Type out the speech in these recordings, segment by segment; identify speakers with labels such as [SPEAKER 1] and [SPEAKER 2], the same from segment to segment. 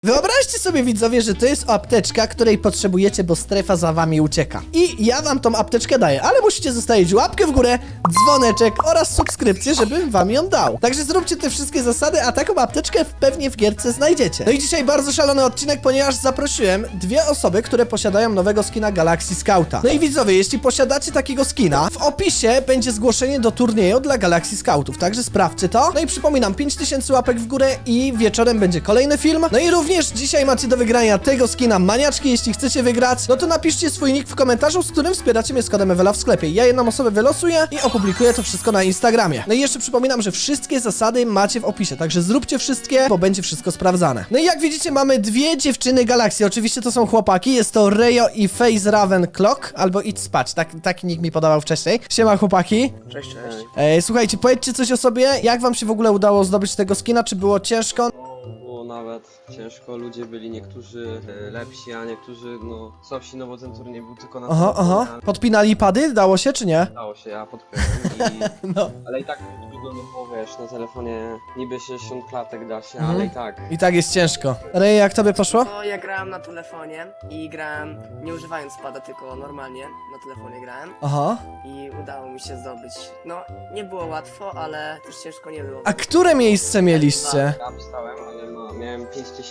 [SPEAKER 1] Wyobraźcie sobie, widzowie, że to jest apteczka, której potrzebujecie, bo strefa za wami ucieka. I ja wam tą apteczkę daję, ale musicie zostawić łapkę w górę, dzwoneczek oraz subskrypcję, żebym wam ją dał. Także zróbcie te wszystkie zasady, a taką apteczkę pewnie w gierce znajdziecie. No i dzisiaj bardzo szalony odcinek, ponieważ zaprosiłem dwie osoby, które posiadają nowego skina Galaxy Scouta. No i widzowie, jeśli posiadacie takiego skina, w opisie będzie zgłoszenie do turnieju dla Galaxy Scoutów, także sprawdźcie to. No i przypominam, 5000 łapek w górę i wieczorem będzie kolejny film. No i również dzisiaj macie do wygrania tego skina maniaczki. Jeśli chcecie wygrać, no to napiszcie swój nick w komentarzu, z którym wspieracie mnie z kodem Ewela w sklepie. Ja jedną osobę wylosuję i opublikuję to wszystko na Instagramie. No i jeszcze przypominam, że wszystkie zasady macie w opisie, także zróbcie wszystkie, bo będzie wszystko sprawdzane. No i jak widzicie, mamy dwie dziewczyny Galaxy. Oczywiście to są chłopaki, jest to Rejo i Face Raven Clock, albo Idź spać, taki nick mi podawał wcześniej. Siema chłopaki.
[SPEAKER 2] Cześć, cześć.
[SPEAKER 1] Słuchajcie, powiedzcie coś o sobie, jak wam się w ogóle udało zdobyć tego skina, czy było ciężko?
[SPEAKER 2] Było nawet ciężko, ludzie byli niektórzy lepsi, a niektórzy no słabsi, no bo ten turniej był tylko na
[SPEAKER 1] Aha. Podpinali pady? Dało się, czy nie?
[SPEAKER 2] Dało się, ja podpiąłem
[SPEAKER 1] No.
[SPEAKER 2] ale i tak trudno, no bo wiesz, na telefonie niby 60 klatek da się, ale i tak.
[SPEAKER 1] I tak jest ciężko. Rej, jak tobie poszło?
[SPEAKER 3] No, ja grałem na telefonie i grałem nie używając pada, tylko normalnie na telefonie grałem
[SPEAKER 1] Aha.
[SPEAKER 3] i udało mi się zdobyć. No, nie było łatwo, ale też ciężko nie było.
[SPEAKER 1] A które miejsce mieliście?
[SPEAKER 2] Ja wstałem, ale no, miałem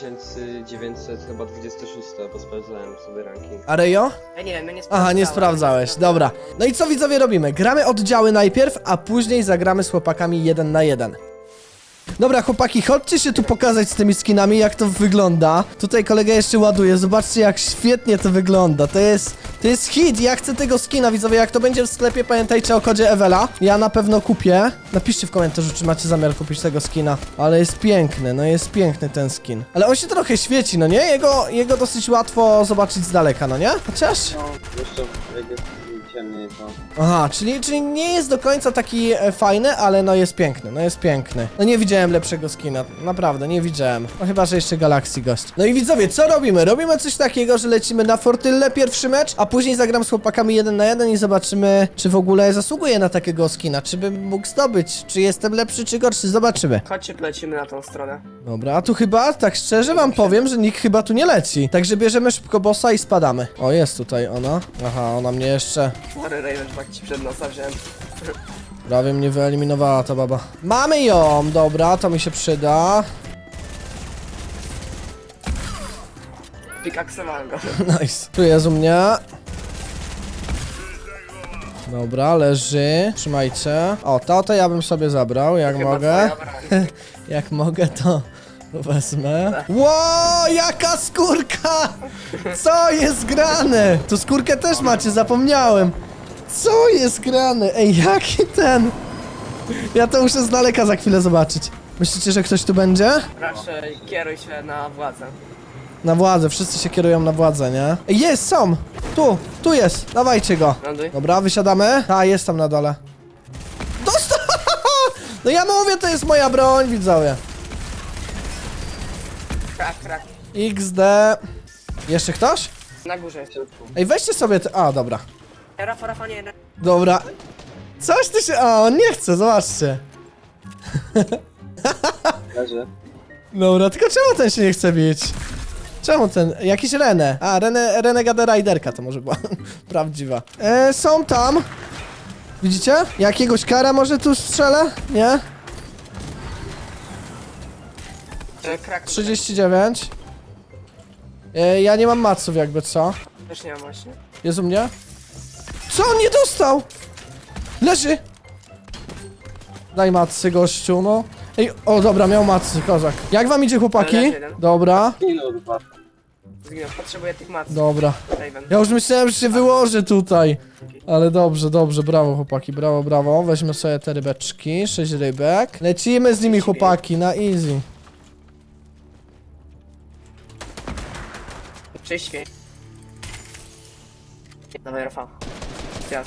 [SPEAKER 2] 5900 chyba 26, bo sprawdzałem sobie ranking.
[SPEAKER 1] A Rejo?
[SPEAKER 3] Ja nie wiem, ja nie sprawdzałem.
[SPEAKER 1] Aha, nie sprawdzałeś, dobra. No i co widzowie robimy? Gramy oddziały najpierw, a później zagramy z chłopakami 1 na 1. Dobra, chłopaki, chodźcie się tu pokazać z tymi skinami, jak to wygląda. Tutaj kolega jeszcze ładuje, zobaczcie jak świetnie to wygląda. To jest hit, ja chcę tego skina, widzowie, jak to będzie w sklepie, pamiętajcie o kodzie Ewela. Ja na pewno kupię. Napiszcie w komentarzu, czy macie zamiar kupić tego skina. Ale jest piękny, no jest piękny ten skin. Ale on się trochę świeci, no nie? Jego dosyć łatwo zobaczyć z daleka, no nie? Chociaż...
[SPEAKER 2] No, jeszcze jak jest ciemniej to...
[SPEAKER 1] Aha, czyli nie jest do końca taki fajny, ale no jest piękny, no jest piękny. No nie widziałem lepszego skina, naprawdę, nie widziałem. No chyba, że jeszcze Galaxy gość. No i widzowie, co robimy? Robimy coś takiego, że lecimy na Fortylę pierwszy mecz, a później zagram z chłopakami 1 na 1 i zobaczymy, czy w ogóle zasługuję na takiego skina, czy bym mógł zdobyć, czy jestem lepszy, czy gorszy, zobaczymy.
[SPEAKER 3] Chodźcie, lecimy na tą stronę.
[SPEAKER 1] Dobra, a tu chyba, tak szczerze wam powiem, że nikt chyba tu nie leci. Także bierzemy szybko bossa i spadamy. O, jest tutaj ona. Aha, ona mnie jeszcze...
[SPEAKER 3] Sorry, Raven, że tak ci przed nosa wziąłem.
[SPEAKER 1] Prawie mnie wyeliminowała ta baba. Mamy ją! Dobra, to mi się przyda.
[SPEAKER 3] Pikaksowałem go.
[SPEAKER 1] Nice. Tu jest u mnie. Dobra, leży. Trzymajcie. O, to ja bym sobie zabrał, jak
[SPEAKER 3] Chyba
[SPEAKER 1] mogę.
[SPEAKER 3] twoja broń.
[SPEAKER 1] Jak mogę, to wezmę. Ło, jaka skórka! Co jest grane? Tu skórkę też macie, zapomniałem. Co jest grane? Ej, jaki ten? Ja to muszę z daleka za chwilę zobaczyć. Myślicie, że ktoś tu będzie?
[SPEAKER 3] Raczej kieruj się na władzę.
[SPEAKER 1] Na władzę, wszyscy się kierują na władzę, nie? Ej, jest, są! Tu jest, dawajcie go.
[SPEAKER 3] Ląduj.
[SPEAKER 1] Dobra, wysiadamy. Ta, jest tam na dole. Dostał! No ja mówię, to jest moja broń, widzowie.
[SPEAKER 3] Krak.
[SPEAKER 1] XD. Jeszcze ktoś?
[SPEAKER 3] Na górze jest.
[SPEAKER 1] Ej, weźcie sobie te... A, dobra.
[SPEAKER 3] Rafa, nie.
[SPEAKER 1] Dobra. Coś ty się... A, on nie chce, zobaczcie.
[SPEAKER 2] Leży.
[SPEAKER 1] Dobra, tylko czemu ten się nie chce bić? Czemu ten? Jakiś Renę. A, Renegade Riderka to może była prawdziwa. Są tam. Widzicie? Jakiegoś kara może tu strzelę? Nie?
[SPEAKER 3] Krak.
[SPEAKER 1] 39. Ja nie mam maców jakby, co?
[SPEAKER 3] Też nie mam właśnie.
[SPEAKER 1] Jest u mnie? Co on nie dostał? Leży! Daj macy, gościu, no. Ej, o dobra, miał macy, kozak. Jak wam idzie, chłopaki?
[SPEAKER 3] Leży jeden.
[SPEAKER 1] Dobra,
[SPEAKER 2] Minut dwa.
[SPEAKER 3] Zginął, potrzebuję tych mac.
[SPEAKER 1] dobra.
[SPEAKER 3] Raven.
[SPEAKER 1] Ja już myślałem, że się wyłoży tutaj. Ale dobrze, brawo chłopaki, brawo. Weźmy sobie te rybeczki, 6 rybek. Lecimy z nimi, chłopaki, na easy.
[SPEAKER 3] Cześć, śwień. Dawaj, Rafa. Teraz.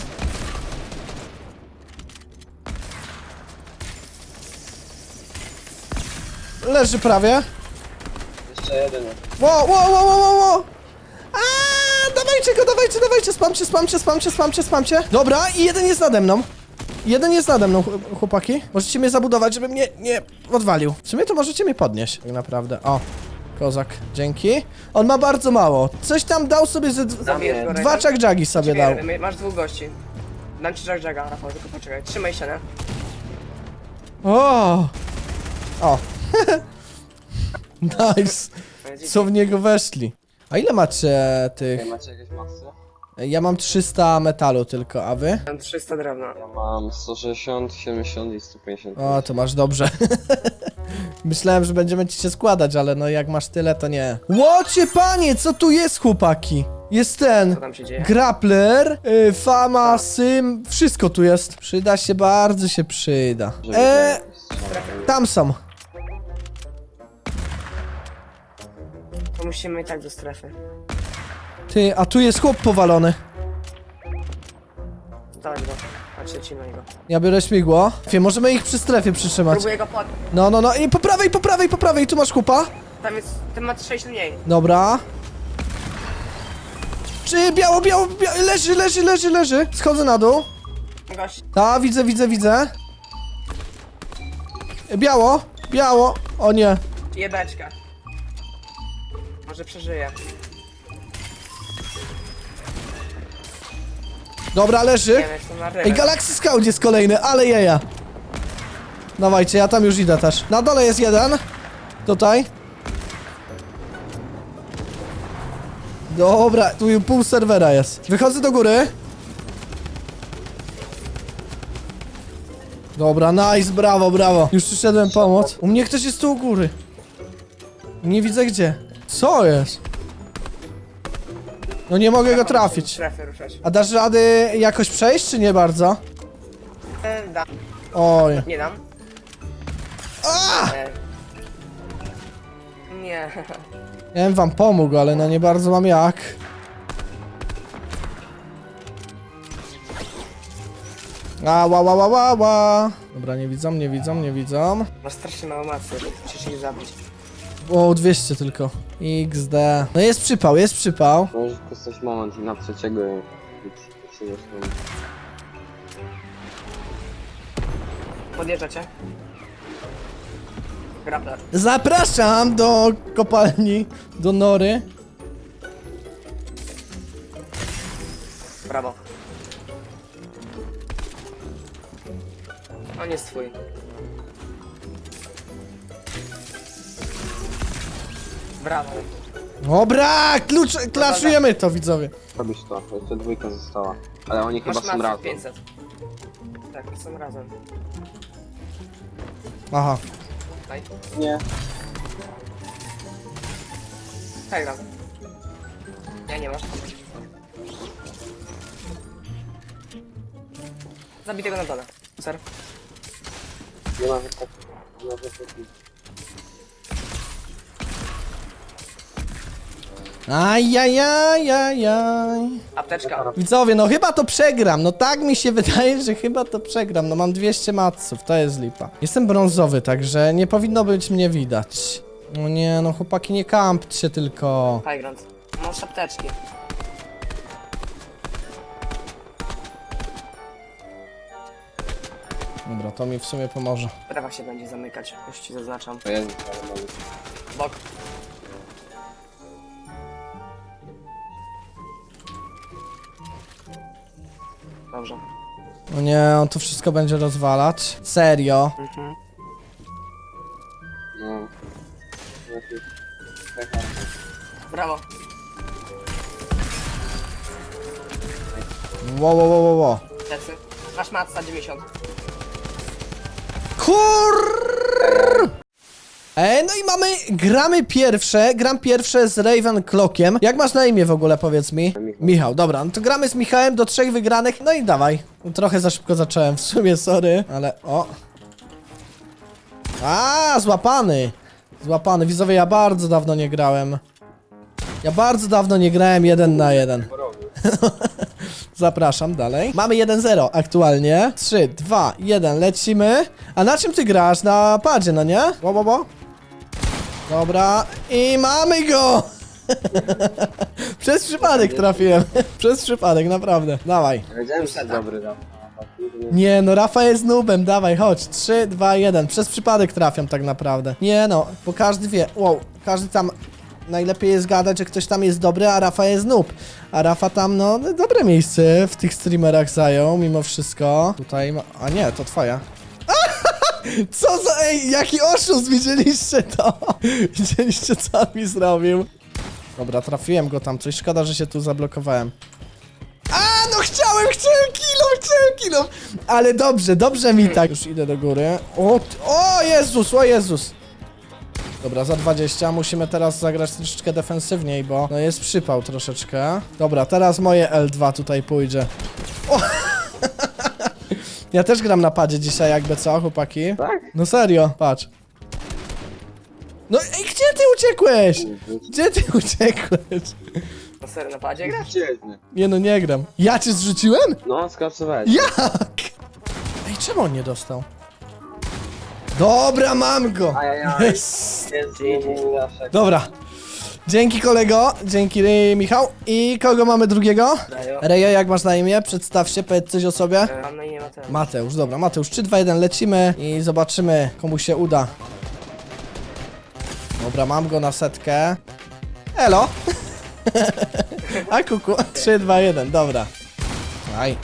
[SPEAKER 1] Leży prawie.
[SPEAKER 2] Jeszcze jeden.
[SPEAKER 1] Wow. Dawajcie, spamcie. Dobra, i jeden jest nade mną. Chłopaki. Możecie mnie zabudować, żeby mnie nie odwalił. W sumie to możecie mnie podnieść, tak naprawdę. O, Kozak, dzięki. On ma bardzo mało. Coś tam dał sobie ze...
[SPEAKER 3] Zabijesz go,
[SPEAKER 1] Dwa czak-jagi sobie dał.
[SPEAKER 3] Masz dwóch gości. Dam ci Jaga, Rafał, tylko poczekaj. Trzymaj się, nie?
[SPEAKER 1] O! O! Nice! Co w niego weszli? A ile macie tych?
[SPEAKER 2] Macie jakieś masy?
[SPEAKER 1] Ja mam 300 metalu tylko, a wy?
[SPEAKER 3] Mam 300 drewna.
[SPEAKER 2] Ja mam 160, 70 i 150.
[SPEAKER 1] O, to masz dobrze. Myślałem, że będziemy ci się składać, ale no jak masz tyle, to nie. Łocie panie, co tu jest, chłopaki? Jest ten
[SPEAKER 3] Co tam się dzieje?
[SPEAKER 1] grappler, fama, sym, wszystko tu jest. Przyda się, bardzo się przyda. Tam są.
[SPEAKER 3] To musimy i tak do strefy.
[SPEAKER 1] Ty, a tu jest chłop powalony.
[SPEAKER 3] Dawaj go. Patrzcie ci na niego.
[SPEAKER 1] Ja biorę śmigło. Wie, możemy ich przy strefie przytrzymać.
[SPEAKER 3] Próbuję go pod...
[SPEAKER 1] No. I po prawej, po prawej, po prawej. Tu masz chłopa.
[SPEAKER 3] Tam jest... Ten ma 6 mniej.
[SPEAKER 1] Dobra. Czy biało, leży. Schodzę na dół.
[SPEAKER 3] Gość.
[SPEAKER 1] Ta, widzę. Biało. O nie.
[SPEAKER 3] Jebeczka. Może przeżyje.
[SPEAKER 1] Dobra, leży.
[SPEAKER 3] Nie wiem, jestem na rybę.
[SPEAKER 1] Ej, Galaxy Scout jest kolejny, ale jaja. Dawajcie, ja tam już idę też. Na dole jest jeden. Tutaj. Dobra, tu pół serwera jest. Wychodzę do góry. Dobra, nice, brawo. Już przyszedłem pomóc. U mnie ktoś jest tu u góry. Nie widzę gdzie. Co jest? No nie mogę go trafić.
[SPEAKER 3] Strefy ruszać.
[SPEAKER 1] A dasz rady jakoś przejść, czy nie bardzo?
[SPEAKER 3] Dam.
[SPEAKER 1] Oj.
[SPEAKER 3] Nie dam.
[SPEAKER 1] A!
[SPEAKER 3] Nie.
[SPEAKER 1] Ja bym wam pomógł, ale no nie bardzo mam jak. Ła. Dobra, nie widzą.
[SPEAKER 3] Masz strasznie mało macy. Musisz ich zabić.
[SPEAKER 1] O, 200 tylko. XD. No jest przypał.
[SPEAKER 2] Możesz wykorzystać moment i na trzeciego i się zresztą.
[SPEAKER 3] Podjeżdża cię. Grappler.
[SPEAKER 1] Zapraszam do kopalni, do nory.
[SPEAKER 3] Brawo. On jest twój. Brawo.
[SPEAKER 1] Dobra, klaszujemy to, widzowie.
[SPEAKER 2] Robisz to, jeszcze dwójka została. Ale oni chyba
[SPEAKER 3] Masz
[SPEAKER 2] są
[SPEAKER 3] masę
[SPEAKER 2] razem.
[SPEAKER 3] 500. Tak, są razem.
[SPEAKER 1] Aha.
[SPEAKER 3] Daj.
[SPEAKER 2] Nie.
[SPEAKER 3] Tak, razem. Ja nie masz. Zabij tego na dole. Ser.
[SPEAKER 2] Nie ma wystarczy. Nie ma wystarczy.
[SPEAKER 1] Ajajajajaj.
[SPEAKER 3] Apteczka.
[SPEAKER 1] Widzowie, no chyba to przegram. No tak mi się wydaje, że chyba to przegram. No mam 200 matsów, to jest lipa. Jestem brązowy, także nie powinno być mnie widać. No nie, no chłopaki, nie kampcie tylko.
[SPEAKER 3] Highground. Masz apteczki.
[SPEAKER 1] Dobra, to mi w sumie pomoże.
[SPEAKER 3] Prawa się będzie zamykać. Już ci zaznaczam.
[SPEAKER 2] To jest, ale mogę.
[SPEAKER 3] Bok. Dobrze.
[SPEAKER 1] No nie, on to wszystko będzie rozwalać. Serio.
[SPEAKER 3] Mhm.
[SPEAKER 2] No. Lepiej.
[SPEAKER 3] Brawo.
[SPEAKER 1] Wo.
[SPEAKER 3] Tecy. Masz matca 90.
[SPEAKER 1] No i gram pierwsze z Ravenclockiem. Jak masz na imię w ogóle, powiedz mi? Michał, dobra, no to gramy z Michałem do 3 wygranych, no i dawaj. Trochę za szybko zacząłem, w sumie, sorry, ale o. Złapany. Widzowie, ja bardzo dawno nie grałem. 1 na 1. Zapraszam dalej. Mamy 1-0 aktualnie. 3, 2, 1, lecimy. A na czym ty grasz? Na padzie, no nie? Bo. Dobra. I mamy go! Przez przypadek trafiłem. Przez przypadek, naprawdę. Dawaj.
[SPEAKER 2] Wiedziałem, że jest dobry, no. kurde.
[SPEAKER 1] Nie no, Rafa jest noobem, dawaj, chodź. 3, 2, 1. Przez przypadek trafiam tak naprawdę. Nie no, bo każdy wie. Wow, każdy tam... Najlepiej jest gadać, że ktoś tam jest dobry, a Rafa jest noob. A Rafa tam, no, dobre miejsce w tych streamerach zajął, mimo wszystko. Tutaj ma... A nie, to twoja. Co za... Ej, jaki oszust, widzieliście to? Widzieliście, co on mi zrobił? Dobra, trafiłem go tam, coś szkoda, że się tu zablokowałem. A, no chciałem kilo! Ale dobrze mi tak. Już idę do góry. O Jezus, o Jezus! Dobra, za 20 musimy teraz zagrać troszeczkę defensywniej, bo no jest przypał troszeczkę. Dobra, teraz moje L2 tutaj pójdzie. O! Ja też gram na padzie dzisiaj, jakby co, chłopaki?
[SPEAKER 2] Tak?
[SPEAKER 1] No serio, patrz. No ej, gdzie ty uciekłeś? Gdzie ty uciekłeś?
[SPEAKER 3] Na serio, na padzie grasz?
[SPEAKER 2] Świetnie.
[SPEAKER 1] Nie no, nie gram. Ja cię zrzuciłem?
[SPEAKER 2] No, skrapsowałeś.
[SPEAKER 1] Jak? Ej, czemu on nie dostał? Dobra, mam go!
[SPEAKER 2] Ajajaj.
[SPEAKER 1] Yes.
[SPEAKER 2] Jest znowu Jaszek.
[SPEAKER 1] Dobra. Dzięki kolego, dzięki Michał. I kogo mamy drugiego?
[SPEAKER 3] Dajo.
[SPEAKER 1] Rejo, jak masz na imię? Przedstaw się, powiedz coś o sobie.
[SPEAKER 3] Mam na imię Mateusz.
[SPEAKER 1] Mateusz, dobra, Mateusz, 3, 2, 1, lecimy i zobaczymy, komu się uda. Dobra, mam go na setkę. Elo! A kuku, 3, 2, 1, dobra. Aj.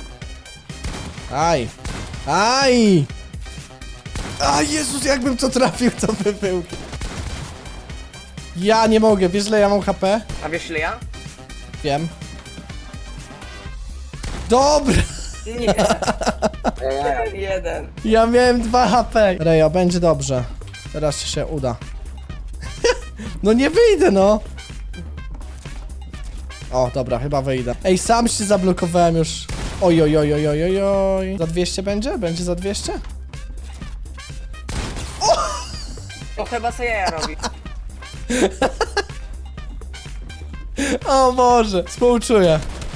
[SPEAKER 1] Aj. Aj! A Jezus, jakbym to trafił, to by był. Ja nie mogę, wiesz ile ja mam HP?
[SPEAKER 3] A wiesz ile ja?
[SPEAKER 1] Wiem. Dobra!
[SPEAKER 3] Nie.
[SPEAKER 2] Ajajaj.
[SPEAKER 3] Jeden.
[SPEAKER 1] Ja miałem 2 HP. Rejo, będzie dobrze. Teraz ci się uda. No nie wyjdę, no. O, dobra, chyba wyjdę. Ej, sam się zablokowałem już. Oj, oj, oj, oj, oj, oj, oj. Za 200 będzie? Będzie za 200?
[SPEAKER 3] To chyba co jaja robi.
[SPEAKER 1] O Boże, współczuję.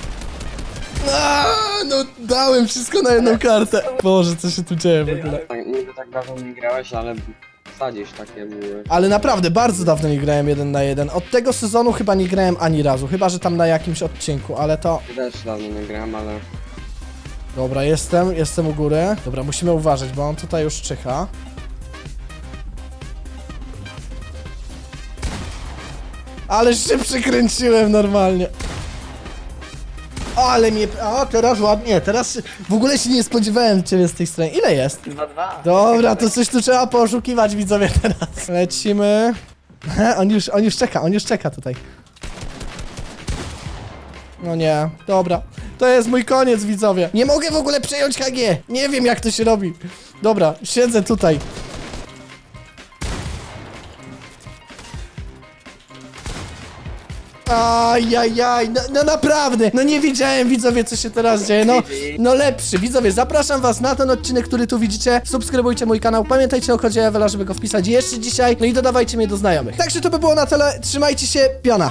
[SPEAKER 1] No dałem wszystko na jedną kartę. Boże, co się tu dzieje w ogóle?
[SPEAKER 2] Tak, niby tak dawno nie grałeś, ale wsadzisz takie były.
[SPEAKER 1] Ale naprawdę, bardzo dawno nie grałem 1 na 1. Od tego sezonu chyba nie grałem ani razu. Chyba, że tam na jakimś odcinku, ale to...
[SPEAKER 2] Ja też dawno nie grałem, ale...
[SPEAKER 1] Dobra, jestem u góry. Dobra, musimy uważać, bo on tutaj już czyha. Ale się przykręciłem normalnie. O, ale mnie... O, teraz ładnie, teraz w ogóle się nie spodziewałem ciebie z tej strony. Ile jest?
[SPEAKER 3] 2-2.
[SPEAKER 1] Dobra, to coś tu trzeba poszukiwać, widzowie, teraz. Lecimy. On już czeka tutaj. No nie, dobra. To jest mój koniec, widzowie. Nie mogę w ogóle przejąć HG. Nie wiem, jak to się robi. Dobra, siedzę tutaj. Ajajaj, no naprawdę, no nie wiedziałem, widzowie, co się teraz dzieje, no lepszy, widzowie, zapraszam was na ten odcinek, który tu widzicie, subskrybujcie mój kanał, pamiętajcie o kodzie Ewela, żeby go wpisać jeszcze dzisiaj, no i dodawajcie mnie do znajomych. Także to by było na tyle, trzymajcie się, piona.